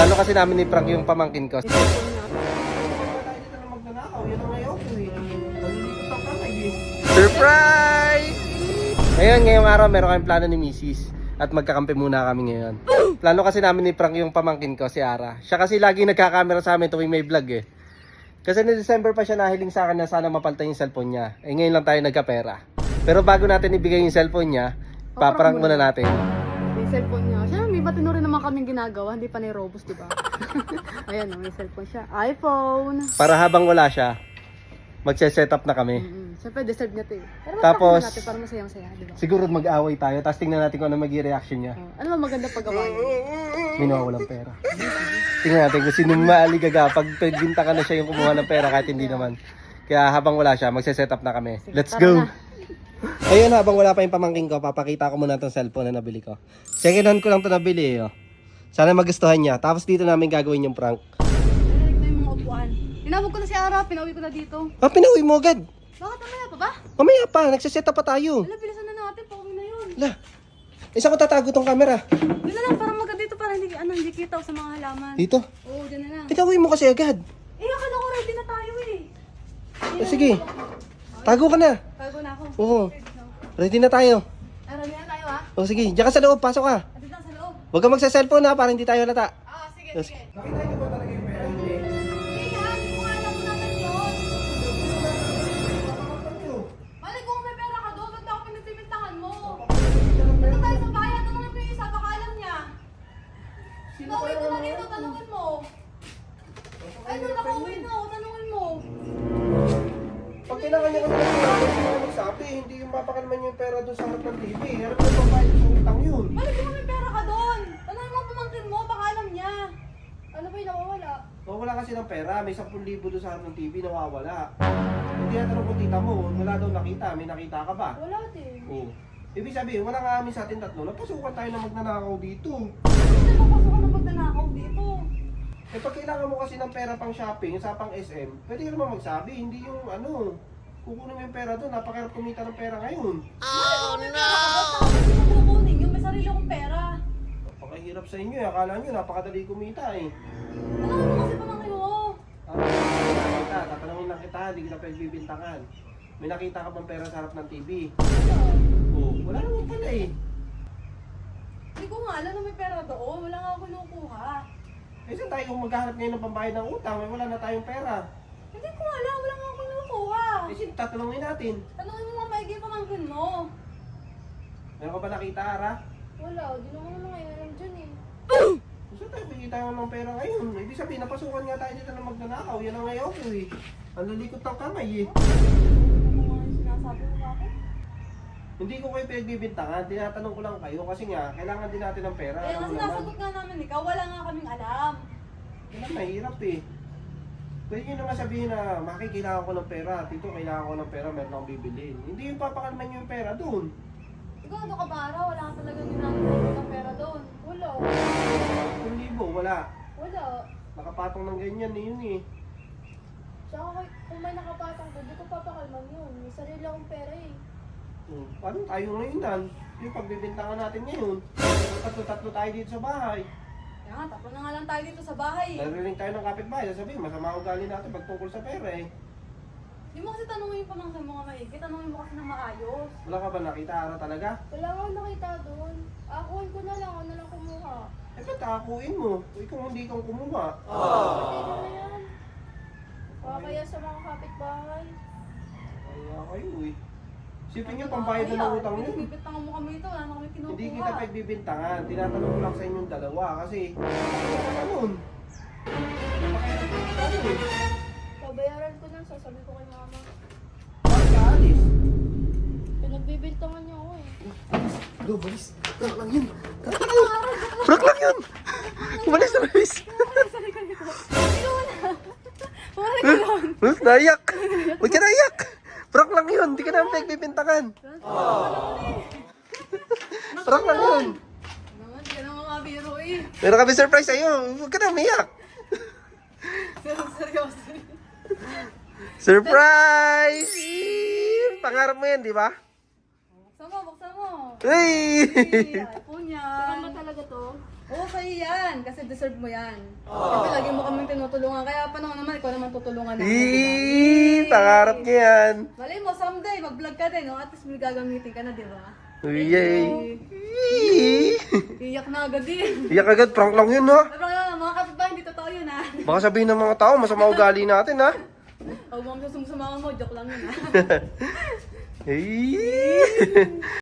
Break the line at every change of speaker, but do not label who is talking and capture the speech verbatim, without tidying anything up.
Plano kasi namin ni Frank yung pamangkin ko. Surprise! Ngayon, ngayong araw meron kaming plano ni Missus at magkakampi muna kami ngayon. Plano kasi namin ni Frank yung pamangkin ko, si Ara. Siya kasi lagi nagkakamera sa amin tuwing may vlog eh. Kasi ni December pa siya nahiling sa akin na sana mapalitan yung cellphone niya. Eh ngayon lang tayo nagkapera. Pero bago natin ibigay yung cellphone niya, paprank muna natin.
May cellphone niya. Siya, may batino rin naman kaming ginagawa. Hindi pa ni Robus, di ba? Ayan, may cellphone siya. iPhone.
Para habang wala siya, magse-set up na kami.
Mm-hmm. Siyempre, deserve niya to eh. Pero
Tapos,
natin para masayang-saya, di ba?
siguro mag-away tayo, tapos tingnan natin kung ano magiging reaction niya.
Oh, ano ba maganda pag-awayan?
May nawawalang pera. Tingnan natin kung sino maaligaga pag pagbinta ka na siya yung kumuha ng pera kahit hindi naman. Kaya habang wala siya, magse-set up na kami. Let's go! Ayun, habang wala pa yung pamangking ko, papakita ko muna itong cellphone na nabili ko. Second hand ko lang ito nabili eh. Oh. Sana magustuhan niya. Tapos dito namin gagawin yung prank.
Narinig na yung mga upuan. Tinawag ko na si Ara, pinauwi ko na dito.
Ah, pinauwi mo agad.
Bakit mamaya pa ba?
Mamaya pa, nagsiset up pa tayo.
Wala, bilisan na natin, pauwi na yun.
Wala. Isa ko tatago tong camera.
Yun na lang, para maganda dito, para hindi, ano, hindi kita sa mga halaman.
Dito.
Oo, dyan na lang.
Pinauwi mo kasi agad.
Eh, akala ko ready na tayo eh.
Eh, sige. Tago ka na.
Tago na ako.
Oo. Ready na tayo.
Ah, ready na tayo ha?
O sige, diyan ka sa loob, pasok ka.
Atid lang sa loob.
Huwag ka magsa-cellphone ha, para hindi tayo lata.
Ah, sige,
Yes.
sige.
Nakita niyo ba talaga yung pera niyo?
Sige ha, hindi ko nga alam kung natin yun. Mali kung may pera ka doon, ba't ako pinagbibintangan mo? Dito tayo sa bayan, tanongin mo yung isa, baka alam niya. Pauwi ko na dito, tanongin mo. Ay, no, nakauwi na ako, tanongin mo.
Pag kailangan niya kasi ng pera, hindi mo magsabi. Hindi yung mapakalman niyo yung pera doon sa harap ng T V. Harap ng pambayad sa utang yun.
Mali kung may pera ka doon. Tanongin mo ang pamangkin mo, baka alam niya. Ano ba yung nawawala?
Nawawala kasi ng pera, may ten thousand doon sa harap ng T V, nawawala. Hindi na tanong kung tita mo, wala daw nakita, may nakita ka ba?
Wala din.
Oo. Ibig sabihin, wala nga amin sa atin tatlo, napasukan tayo na magnanakaw dito.
Hindi mo pasukan ng magnanakaw dito.
Eh pag kailangan mo kasi ng pera pang shopping, sa pang S M, pwede ka naman magsabi, hindi yung ano, kukunin mo yung pera doon, napakahirap kumita ng pera ngayon.
Oh no! Bakit mo kukunin yung may sarili akong pera?
Napakahirap sa inyo, eh. Akala nyo napakadali kumita eh.
Tanongin mo kasi pamangkin mo.
Ah, kita, tatanungin lang kita, hindi kita pagbibintangan. May nakita ka bang pera sa harap ng T V? Oo, wala naman pala eh.
Hindi ko nga alam na may pera doon. Wala nga ako kinukuha.
Eh saan tayo kung maghahanap ngayon ng pambayad ng utang, may wala na tayong pera.
Hindi ko nga alam. Wala nga ako kinukuha.
Eh sino tatanungin natin?
Tanongin mo nga maigi pamangkin mo.
Meron ka ba nakita, Ara?
Wala. Di naman naman ngayon alam dyan eh.
Saan tayo bigita ng pera ngayon? Ibig sabihin, napasukan nga tayo dito na magnanakaw. Yan ang ngayon ko eh. Ang lalikot ng kamay eh.
Ano nga yung sinasabi mo bakit?
Hindi ko kayo pinagbibintangan, tinatanong ko lang kayo kasi nga, kailangan din natin ng pera.
Eh,
Alam
kasi
mo naman.
nasagot nga namin ikaw. Wala nga kaming alam.
Yan ang mahirap eh. Pwede nyo naman sabihin na, Maki, kailangan ko ng pera. Tito, kailangan ko ng pera, meron akong bibilin. Hindi yung papakalman nyo yung pera doon.
Ikaw ano ka ba, Ara? Wala ka talagang ginagawa ng pera doon. Wala.
Kung libo, wala.
Wala.
Nakapatong ng ganyan eh, yun eh.
Tsaka kung may nakapatang doon, di ko papakalman yun. May sarili akong pera eh.
Hmm. Paano tayo ngayon nan? Yung pagbibintangan natin ngayon. Tatlo-tatlo tayo dito sa bahay.
Kaya nga, tapos na nga lang tayo dito sa bahay.
Narinig tayo ng kapitbahay, sasabihin, masama ugali natin pag tungkol sa pera eh.
Di mo kasi tanongin yung pamangkin mo nga maigi. Tanongin mo kasi na maayos.
Wala ka ba nakita, Ara, talaga?
Wala nga nakita doon. Akuin ko na lang, ano lang kumuha.
Eh, ba't akakuin mo? Uy, kung hindi kang kumuha.
Pwede na yan. Baka kaya sa mga kapitbahay.
Kaya kayo eh. Sipin nyo, pambayad na ng utang yun.
Bibintangan mo kami ito, wala na kami kinukuha.
Hindi kita pagbibintangan. Tinatanong ko lang sa inyong dalawa kasi ganun.
Pabayaran ko na, sasabi ko kay mama.
Bakit ka alis?
Pinagbibintangan niya ako eh.
Go, balis. Prank lang yun. Prank lang yun. Prank lang yun. Umalis na, balis.
Sorry ka nito. Hindi ko na. Wala ka lang.
Balis, naiyak. Huwag ka naiyak. Prank lang yun. Hindi ka namin pagbibintangan. Prank lang yun.
Naman, di ka naman mabiro eh.
Meron kami surprise sa'yo. Huwag ka na umiyak.
Seryoso.
Surprise! Pangarap mo yan, di ba?
Buksan mo, buksan mo.
Hey!
Hey, iPhone yan. Saan ba talaga to? Oo, sa'yo yan. Kasi deserve mo yan. Siyempre, lagi mo kaming tinutulungan. Kaya paano naman, ikaw naman tutulungan namin.
Eee, pangarap niya yan.
Malay mo, someday, mag-vlog ka din, no? At least may gagamitin ka na, di ba?
Uy, yay.
Iyak na agad din.
Iyak agad, prank lang yun, ha?
Pero nga, mga kapitbahay, hindi totoo yun, ha?
Baka sabihin ng mga tao, masama ugali natin, ha?
Huwag mo kami sumusumama mo, joke lang yun, ha?
Hey.